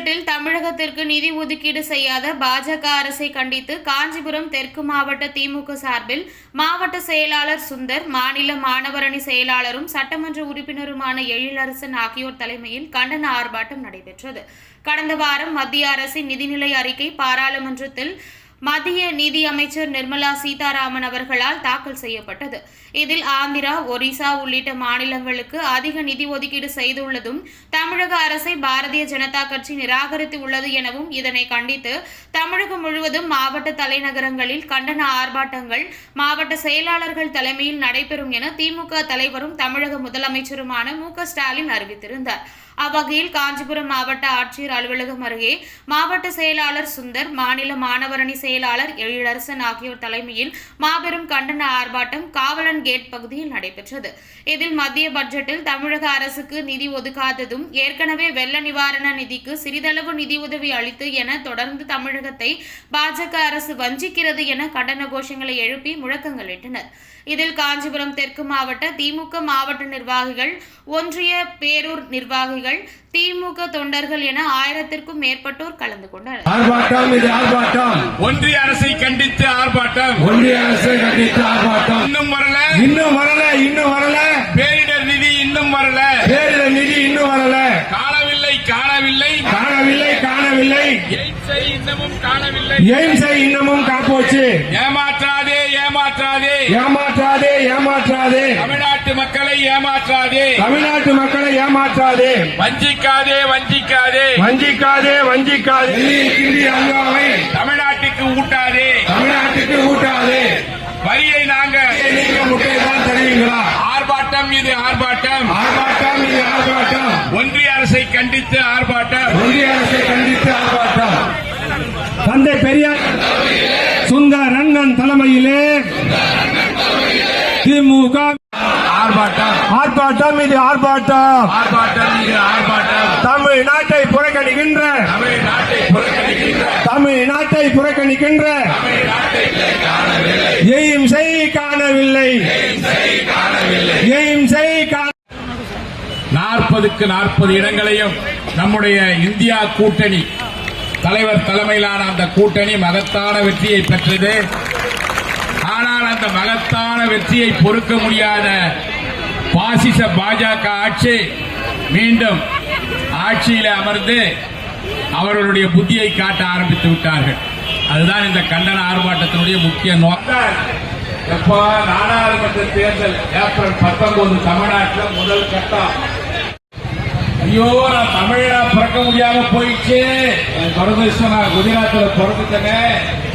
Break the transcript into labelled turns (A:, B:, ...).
A: பட்ஜெட்டில் தமிழகத்திற்கு நிதி ஒதுக்கீடு செய்யாத பாஜக அரசை கண்டித்து காஞ்சிபுரம் தெற்கு மாவட்ட திமுக சார்பில் மாவட்ட செயலாளர் சுந்தர், மாநில மாணவரணி செயலாளரும் சட்டமன்ற உறுப்பினருமான எழிலரசன் ஆகியோர் தலைமையில் கண்டன ஆர்ப்பாட்டம் நடைபெற்றது. கடந்த வாரம் மத்திய அரசின் நிதிநிலை அறிக்கை பாராளுமன்றத்தில் மத்திய நிதி அமைச்சர் நிர்மலா சீதாராமன் அவர்களால் தாக்கல் செய்யப்பட்டது. இதில் ஆந்திரா, ஒரிசா உள்ளிட்ட மாநிலங்களுக்கு அதிக நிதி ஒதுக்கீடு செய்துள்ளதும் தமிழக அரசை பாரதிய ஜனதா கட்சி நிராகரித்து உள்ளது எனவும், இதனை கண்டித்து தமிழகம் முழுவதும் மாவட்ட தலைநகரங்களில் கண்டன ஆர்ப்பாட்டங்கள் மாவட்ட செயலாளர்கள் தலைமையில் நடைபெறும் என திமுக தலைவரும் தமிழக முதலமைச்சருமான மு.க.ஸ்டாலின் அறிவித்திருந்தார். அவ்வகையில் காஞ்சிபுரம் மாவட்ட ஆட்சியர் அலுவலகம் அருகே மாவட்ட செயலாளர் சுந்தர், மாநில மாணவரணி செயலாளர் எழிலரசன் ஆகியோர் தலைமையில் மாபெரும் கண்டன ஆர்ப்பாட்டம் காவலன் கேட் பகுதியில் நடைபெற்றது. இதில் மத்திய பட்ஜெட்டில் தமிழக அரசுக்கு நிதி ஒதுக்காததும், ஏற்கனவே வெள்ள நிவாரண நிதிக்கு சிறிதளவு நிதியுதவி அளித்து என தொடர்ந்து தமிழகத்தை பாஜக அரசு வஞ்சிக்கிறது என கண்டன கோஷங்களை எழுப்பி முழக்கங்களிட்டனர். இதில் காஞ்சிபுரம் தெற்கு மாவட்ட திமுக மாவட்ட நிர்வாகிகள், ஒன்றிய பேரூர் நிர்வாகிகள், திமுக தொண்டர்கள் என 1000க்கும் மேற்பட்டோர் கலந்து கொண்டனர்.
B: ஒன்றிய அரசை கண்டித்து ஆர்ப்பாட்டம். இன்னும் வரல. பேரிடர் நிதி இன்னும் வரல. காணவில்லை.
C: எய்ம்ஸை இன்னமும் காப்போச்சு.
B: ஏமாற்றாதே. தமிழ்நாட்டு மக்களை ஏமாற்றாதே. வஞ்சிக்காதே. தமிழ்நாட்டுக்கு ஊட்டாதே. வரியை நீங்க முட்டைதான் தருவீங்களா? ஆர்ப்பாட்டம். ஒன்றிய அரசை கண்டித்து ஆர்ப்பாட்டம்.
C: தந்தை பெரியார் சுந்தர் அண்ணன் தலைமையிலே திமுக ஆர்ப்பாட்டம். தமிழ்நாட்டை புறக்கணிக்கின்ற எய்ம்ஸை காணவில்லை.
B: 40க்கு 40 இடங்களையும் நம்முடைய இந்தியா கூட்டணி தலைவர் தலைமையிலான அந்த கூட்டணி மகத்தான வெற்றியை பெற்றது. ஆனால் அந்த மகத்தான வெற்றியை பொறுக்க முடியாத பாசிச பாஜக ஆட்சி மீண்டும் ஆட்சியில் அமர்ந்து அவர்களுடைய புத்தியை காட்ட ஆரம்பித்து விட்டார்கள். அதுதான் இந்த கண்டன ஆர்ப்பாட்டத்தினுடைய முக்கிய நோக்கம். எப்போ நாடாளுமன்ற தேர்தல் ஏப்ரல் 19 தமிழ்நாட்டில் முதல் கட்டம். ஐயோ, நான் தமிழா பிறக்க முடியாம போயிடுச்சு. துரதிருஷ்டம், நான் குஜராத்தில் பிறந்துட்டேன்.